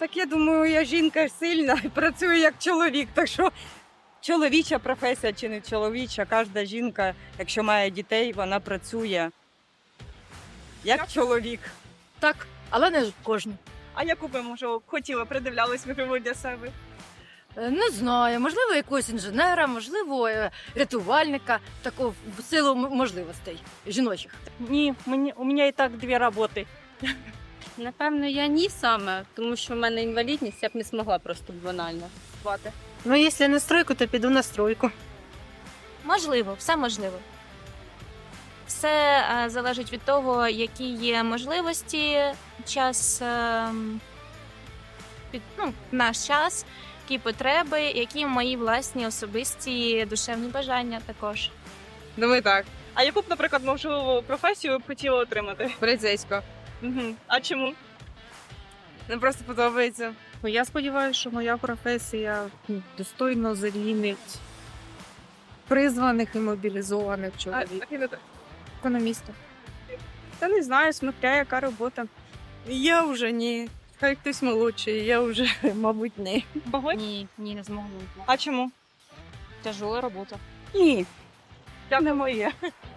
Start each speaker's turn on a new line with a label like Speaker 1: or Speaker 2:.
Speaker 1: Так я думаю, я жінка сильна і працюю як чоловік. Так що чоловіча професія чи не чоловіча, кожна жінка, якщо має дітей, вона працює як чоловік.
Speaker 2: Так, але не кожен.
Speaker 3: А яку би, може, хотіли, придивлялись ви для себе?
Speaker 2: Не знаю, можливо, якогось інженера, можливо, рятувальника, такого в силу можливостей жіночих.
Speaker 3: Ні, у мене і так 2 роботи.
Speaker 4: Напевно, я ні саме, тому що в мене інвалідність, я б не змогла просто банально.
Speaker 5: Ну, якщо на стройку, то піду на стройку.
Speaker 6: Можливо, все можливо. Все залежить від того, які є можливості, час, в наш час, які потреби, які мої власні особисті душевні бажання також.
Speaker 7: Думаю, так.
Speaker 3: А яку б, наприклад, можливо, професію б хотіли отримати?
Speaker 7: Поліцейська.
Speaker 3: Угу. А чому?
Speaker 7: Нам просто подобається.
Speaker 5: Ну, я сподіваюся, що моя професія достойно замінить призваних і мобілізованих чоловіків. Економіста.
Speaker 3: Та не знаю, смотря яка робота.
Speaker 7: Я вже ні. Хай хтось молодший, я вже, мабуть, не.
Speaker 3: Могли?
Speaker 4: Ні, не змогла.
Speaker 3: А чому?
Speaker 4: Тяжела робота.
Speaker 3: Ні. Це не моє.